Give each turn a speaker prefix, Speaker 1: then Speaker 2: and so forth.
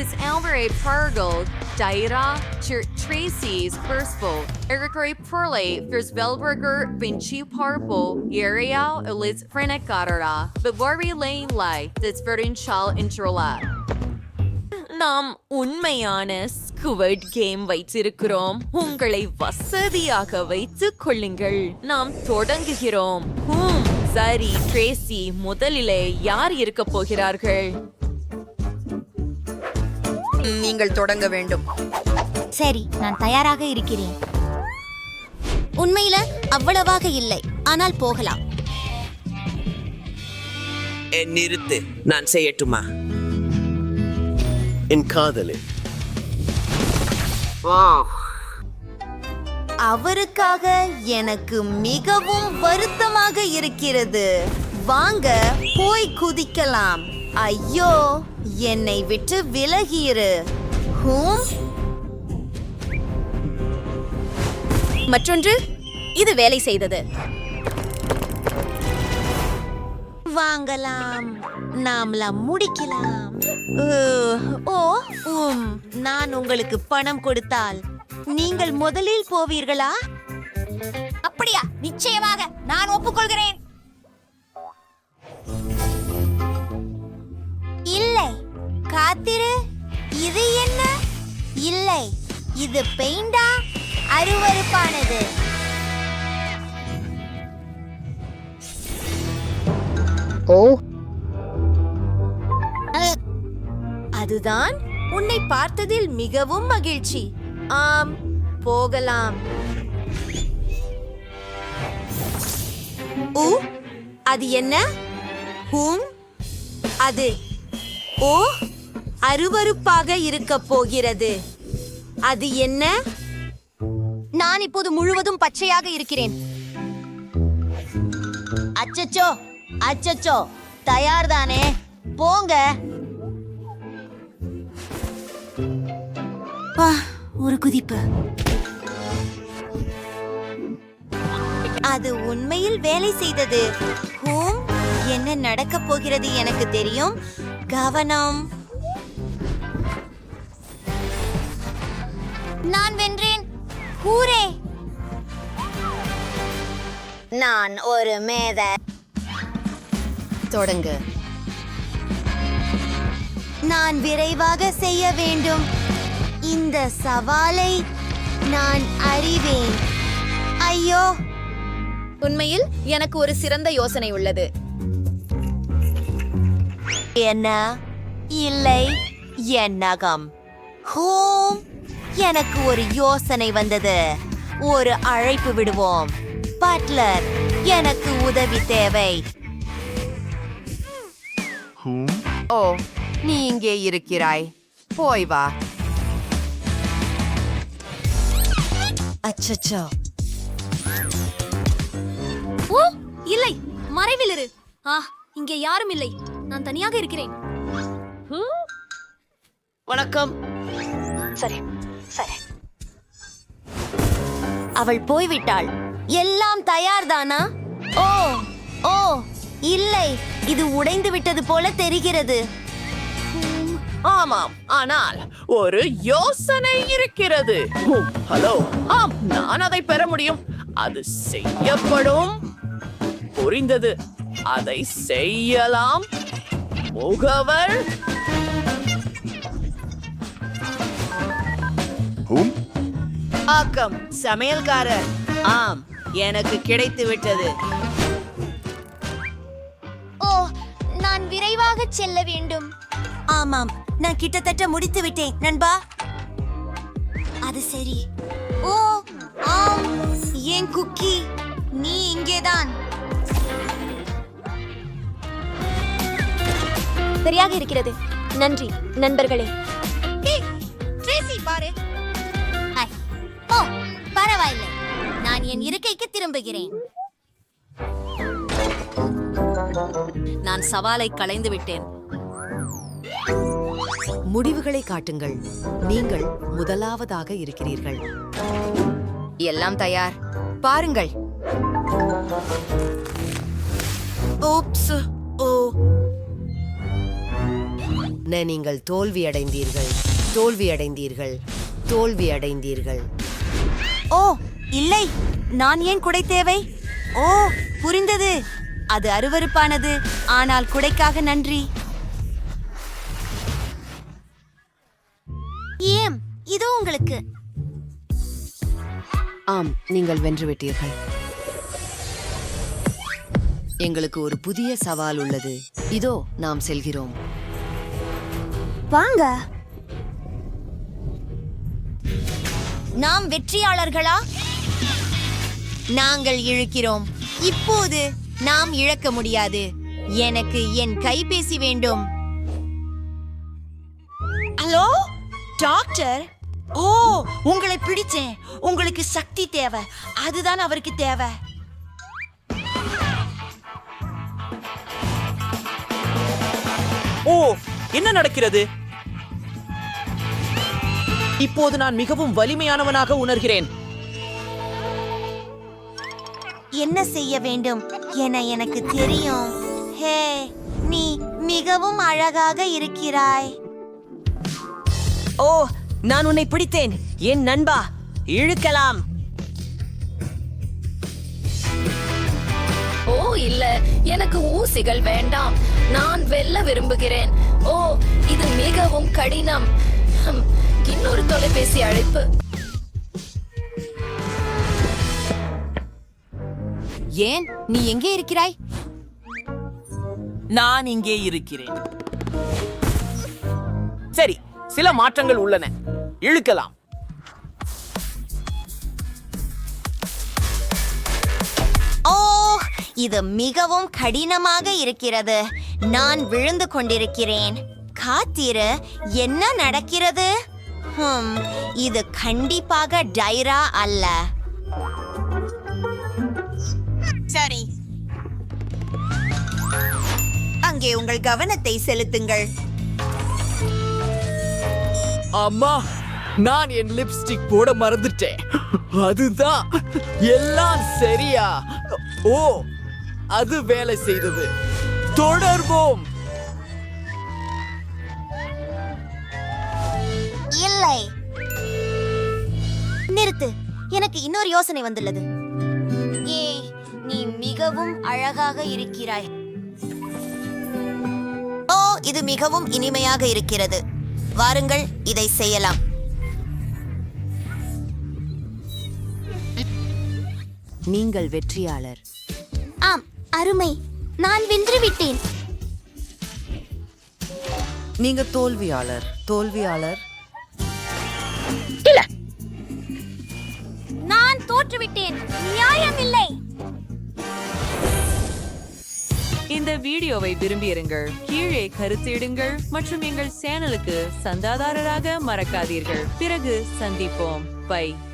Speaker 1: This Alvarez Pargold, Daira, Tracy's Perspol, Ericori Perle, Fierce Velberger, Vinci Parpo, Area, Eliz Frenecatara, Bavari Lane Lai, that's Verdinchal Introla. நாம் உண்மையான ஸ்குவர்ட் game வைத்திருக்கிறோம். உங்களை வசதியாக வைத்துக் கொள்ளுங்கள். நாம் தொடங்குகிறோம். சரி ட்ரேசி, முதலிலே யார் இருக்க போகிறார்கள்?
Speaker 2: நீங்கள் தொடங்க வேண்டும்.
Speaker 3: சரி, நான் தயாராக இருக்கிறேன். உண்மையில அவ்வளவாக இல்லை, ஆனால் போகலாம்.
Speaker 4: நிறுத்து, நான் செய்யட்டுமா?
Speaker 5: என் காதலே,
Speaker 3: அவருக்காக எனக்கு மிகவும் வருத்தமாக இருக்கிறது. வாங்க போய் குதிக்கலாம். ஐயோ, என்னை விட்டு விலகிரு.
Speaker 2: மற்றொன்று, இது வேலை செய்தது.
Speaker 3: வாங்கலாம், நாமலாம் முடிக்கலாம். நான் உங்களுக்கு பணம் கொடுத்தால் நீங்கள் முதலில் போவீர்களா?
Speaker 2: அப்படியா? நிச்சயமாக நான் ஒப்புக்கொள்கிறேன்.
Speaker 3: இல்லை, காத்திரு. இது என்ன? இல்லை, இது பெயிண்டா? அருவருப்பானது. அதுதான். உன்னை பார்த்ததில் மிகவும் மகிழ்ச்சி. ஆம், போகலாம். அது என்ன? அது அருவருப்பாக இருக்க போகிறது. அது என்ன?
Speaker 2: நான் இப்போது முழுவதும் பச்சையாக இருக்கிறேன்.
Speaker 3: அச்சச்சோ, அச்சச்சோ, தயார்தானே? போங்க. ஒரு குதிப்பு. அது உண்மையில் வேலை செய்தது. என்ன நடக்க போகிறது எனக்கு தெரியும். கவனம்.
Speaker 2: நான் வென்றேன். ஹூரே!
Speaker 3: நான் ஒரு மேத.
Speaker 2: தொடங்கு.
Speaker 3: நான் விரைவாக செய்ய வேண்டும். இந்த சவாலை நான் அறிவேன். ஐயோ!
Speaker 2: உண்மையில் எனக்கு ஒரு சிறந்த யோசனை உள்ளது.
Speaker 3: என்ன? இல்லை, என் நகம். எனக்கு ஒரு யோசனை வந்தது. ஒரு அழைப்பு விடுவோம். பட்லர், எனக்கு உதவி தேவை.
Speaker 6: ஓ, நீ இங்கே இருக்கிறாய். போய் வா.
Speaker 3: அச்சச்சோ.
Speaker 2: ஓ, இல்லை, மறைவில் இரு. இங்கே யாரும் இல்லை. நான் தனியாக இருக்கிறேன்.
Speaker 4: வணக்கம்.
Speaker 3: சரி சரி. அவள் போய்விட்டாள். எல்லாம் தயார்தானா? ஓ ஓ இல்லை, இது உடைந்து விட்டது போல தெரிகிறது.
Speaker 4: ஆமாம், ஆனால் ஒரு யோசனை இருக்கிறது. ஹலோ, ஆம், நான் அதை பெற முடியும். அது செய்யப்படும். புரிந்தது. அதை செய்யலாம். முகவர்.
Speaker 7: ஆக்கம், சமையல்காரர். ஆம், எனக்கு கிடைத்து விட்டது.
Speaker 3: ஓ, நான் விரைவாக செல்ல வேண்டும். ஆமாம், நான் கிட்டத்தட்ட முடித்து விட்டேன் நண்பா. அது சரி. ஓ ஆம், என் குக்கி, நீ இங்கேதான்.
Speaker 2: சரியாக இருக்கிறது. நன்றி நண்பர்களே.
Speaker 3: ட்ரேசி, பாரு. ஓ, பரவாயில்லை. நான் என் இருக்கைக்கு திரும்புகிறேன்.
Speaker 2: நான் சவாலை களைந்து விட்டேன்.
Speaker 6: முடிவுகளை காட்டுங்கள். நீங்கள் முதலாவதாக இருக்கிறீர்கள்.
Speaker 2: எல்லாம் தயார். பாருங்கள்.
Speaker 6: ஓப்ஸ். ஓ, நீங்கள் தோல்வியடைந்தீர்கள், தோல்வியடைந்தீர்கள், தோல்வியடைந்தீர்கள்.
Speaker 3: ஓ இல்லை, நான் ஏன் குடை தேவை? ஓ புரிந்தது. அது அருவருப்பானது, ஆனால் குடைக்காக நன்றி. ஏம், இதோ உங்களுக்கு.
Speaker 6: ஆம், நீங்கள் வென்றுவிட்டீர்கள். எங்களுக்கு ஒரு புதிய சவால் உள்ளது. இதோ நாம் செல்கிறோம்.
Speaker 3: வாங்க. நாம் வெற்றியாளர்களா? நாங்கள் இழுக்கிறோம். இப்போது நாம் இழக்க முடியாது. எனக்கு என் கைபேசி வேண்டும்.
Speaker 5: Hello doctor. ஓ, உங்களை பிடிச்சேன். உங்களுக்கு சக்தி தேவை, அதுதான் அவருக்கு தேவை.
Speaker 8: ஓ, என்ன நடக்கிறது? இப்போது நான் மிகவும் வலிமையானவனாக உணர்கிறேன்.
Speaker 3: என்ன செய்ய வேண்டும் என எனக்கு தெரியும். ஹே, நீ மிகவும் அழகாக இருக்கிறாய்.
Speaker 7: ஓ, நான் உன்னை பிடித்தேன் என் நண்பா. இழுக்கலாம்.
Speaker 2: ஓ இல்ல, எனக்கு ஊசிகள் வேண்டாம். நான் வெல்ல விரும்புகிறேன். ஓ, இது மிகவும் கடினம். இன்னொரு தொலைபேசி அழைப்பு.
Speaker 3: ஏன் நீ எங்கே இருக்கிறாய்?
Speaker 8: நான் இங்கே இருக்கிறேன். சரி, சில மாற்றங்கள் உள்ளன. இழுக்கலாம்.
Speaker 3: ஓ, இது மிகவும் கடினமாக இருக்கிறது. நான் விழுந்து கொண்டிருக்கிறேன். காத்திரு, என்ன நடக்கிறது? இது கண்டிப்பாக டைரா அல்ல. சரி, அங்கே உங்கள் கவனத்தை செலுத்துங்கள்.
Speaker 8: அம்மா, நான் என் லிப்ஸ்டிக் போட மறந்துட்டேன். அதுதான் எல்லாம் சரியா? ஓ, அது வேலை செய்தது. தொடர்வோம்.
Speaker 3: இல்லை, நிறுத்து. எனக்கு இன்னொரு யோசனை வந்துள்ளது. ஏய், நீ மிகவும் அழகாக இருக்கிறாய். ஓ, இது மிகவும் இனிமையாக இருக்கிறது. வாருங்கள், இதை செய்யலாம்.
Speaker 6: நீங்கள் வெற்றியாளர்.
Speaker 3: ஆம், அருமை. நான் வென்றுவிட்டேன்.
Speaker 6: நீங்க தோல்வியாளர், தோல்வியாளர்.
Speaker 2: நான் தோற்றுவிட்டேன். நியாயமில்லை.
Speaker 9: இந்த வீடியோவை விரும்பியிருங்கள், கீழே கருத்திடுங்கள் மற்றும் எங்கள் சேனலுக்கு சந்தாதாரராக மறக்காதீர்கள். பிறகு சந்திப்போம். பை.